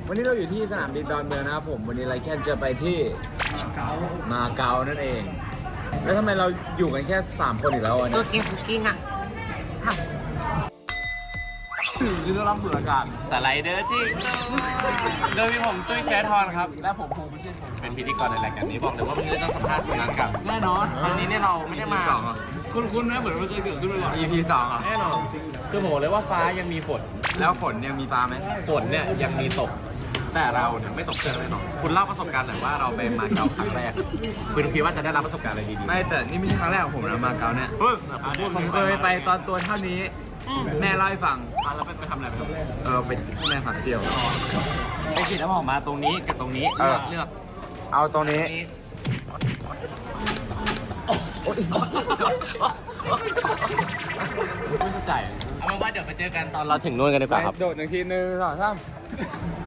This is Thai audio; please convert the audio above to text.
วันนี้เราอยู่ที่สนามบินดอนเมืองนะครับผมวันนี้ไรแค่จะไปที่มาเก๊านั่นเอง แล้วทำไมเราอยู่กันแค่3คนอีกแล้ววันตันี้วเกมคุกกิ้งอ่ะสับคือต้องรับสูดอากาศสไลเดอร์จริงโดยมีผมตุ้ยแชททอนครับ และผมภูมิเชี่ยวชาญเป็นพิธีกรในรายการนี้บอกเลยว่าวันนี้เราต้องสัมภาษณ์คนนั้นกับแน่นอนวันนี้เนี่ยเราไม่ได้มาคุณนะเหมือนมันเคยเกิดขึ้นมาก่อน EP 2อ่ะแน่นอนคือผมบอกเลยว่าฟ้ายังมีฝนแล้วฝนยังมีฟ้าไหมฝนเนี่ยยังมีตก แต่เราเนี่ยไม่ตกเจอแน่นอนคุณเล่าประสบการณ์หน่อยว่าเราไปมาเก๊าครั้งแรกคุณคิดว่าจะได้รับประสบการณ์อะไรดีๆไม่แต่นี่ไม่ใช่ครั้งแรกของผมนะมาเก๊าเนี่ยเฮ้ยผมเคยไปตอนตัวเท่านี้ แม่เล่าให้ฟังแล้วไปทำอะไรไปทำอะไรไปแม่ฝักเที่ยวไปฉีดน้ำหอมมาตรงนี้กับตรงนี้เลือกเอาตรงนี้ไม่เข้าใจเอาเป็นว่าเดี๋ยวไปเจอกันตอนเราถึงนู่นกันดีกว่าครับโดด1 ที 1 2 3